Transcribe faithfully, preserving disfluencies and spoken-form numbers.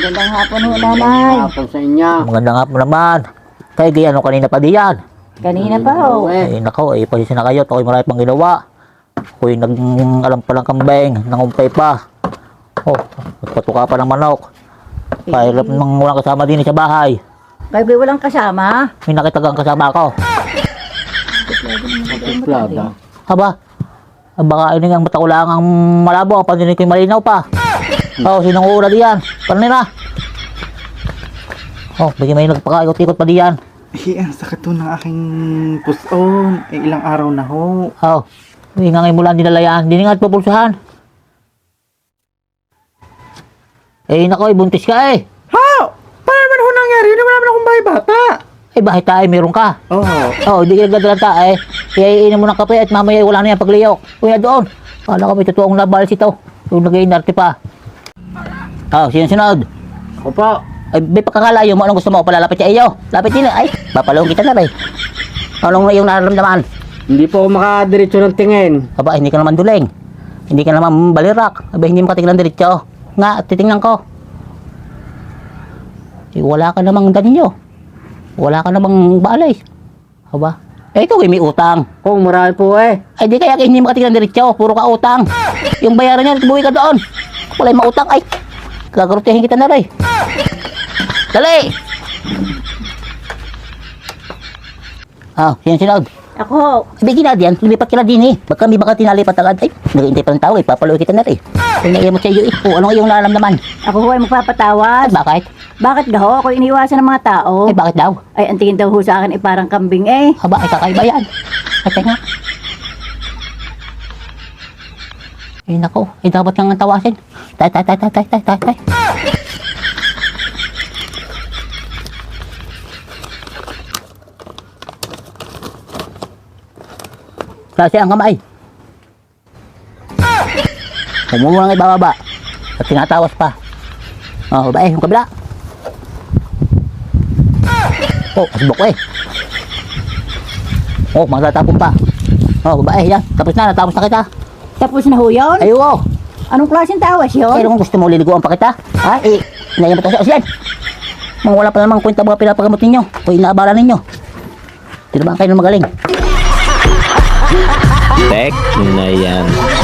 Magandang hapon ho, nanay. Hapon sa inyo. Magandang hapon naman. Kaya di ano kanina pa diyan. Kanina pa ho. Eh nako, eh pasensya na kayo. Ako'y marami pang ginawa. Ako'y nag alam pa lang kambeng, nangumpay pa. Oh, nagpatuka pa ng manok. Kahirap nang walang kasama din sa bahay. Kayo ba walang kasama? May nakitagang kasama ako. Plada. Haba, baka ini ang mata ko lang ang malabo. Ang pandinig ko'y malinaw pa. Oh, sinong ura diyan? Paano nila? Oh, bigyan may nagpakaikot-ikot pa diyan. Eh, ang sakit to ng aking puson. Eh, ilang araw na ho. Oh, hindi nga ngayon mula nilalayaan. Hindi nga at pupulsahan. Eh, nako, eh, buntis ka eh. Ha? Paano naman ho nangyari? Hindi naman akong bahay bata. Eh, bakit tayo meron ka? Oo. Oh, hindi ka nagdadalan ta eh. Iaiinom mo ng kape at mamaya wala na yan pagliyok. Uy, na doon. Kala ko may totoong nabalis ito. Yung nag-iinarte pa. Oh, sinunod. Ako po. Ay, may pagkakalayo mo. Anong gusto mo? Palalapit sa iyo. Lapit din. Ay, papalawang kita na rin. Anong iyong nararamdaman? Hindi po ako makadiretso ng tingin. Aba, hindi ka naman duling. Hindi ka naman balirak. Aba, hindi mo katiglan diretso. Nga, titingnan ko. Eh, wala ka namang danyo. Wala ka namang balay. Aba, eh, ikaw ay may utang. Kung marami po eh. Ay, di kaya hindi mo katiglan diretso. Puro ka utang. Yung bayaran niya, buwi ka doon. Wala yung mautang. Ay, gagarutihin kita na rin. Dali! Ah, sino sinod? Ako. Bigyan na diyan, lumipat ka na din eh. Baka may baka tinalipat agad. Ay, nag-iintay pa ng tao eh. Papaluin kita na rin. Kung naiimot sa iyo eh. O, anong iyong nararamdaman? Ako ho ay magpapatawad. Ay, bakit? Bakit daw? Ako iniwasan ng mga tao. Ay, bakit daw? Ay, ang tingin daw ho sa akin ay parang kambing eh. Haba, ay kakaiba yan. Ay, teka. Ay, nako. Ay, dapat kang tawasin. Tay, tay, tay, tay, tay, tay, tay, tay. Klase ang kamay. Huwag mo lang ibababa. At tinatawas pa. Oh, babae, yung kabila. Oh, asbok eh. Oh, magtatapon pa. Oh, babae, yan. Tapos na, natapos na kita. Tapos na ho yun? Ay, oh. Anong klaseng tawas yun? Kaya kung gusto mo liliguan pa kita, ha? Eh, inayaman ito sa osyan. Mga wala pa namang kwenta mga pinapagamot ninyo o inaabala ninyo. Di naman kayo na magaling. Tek na yan.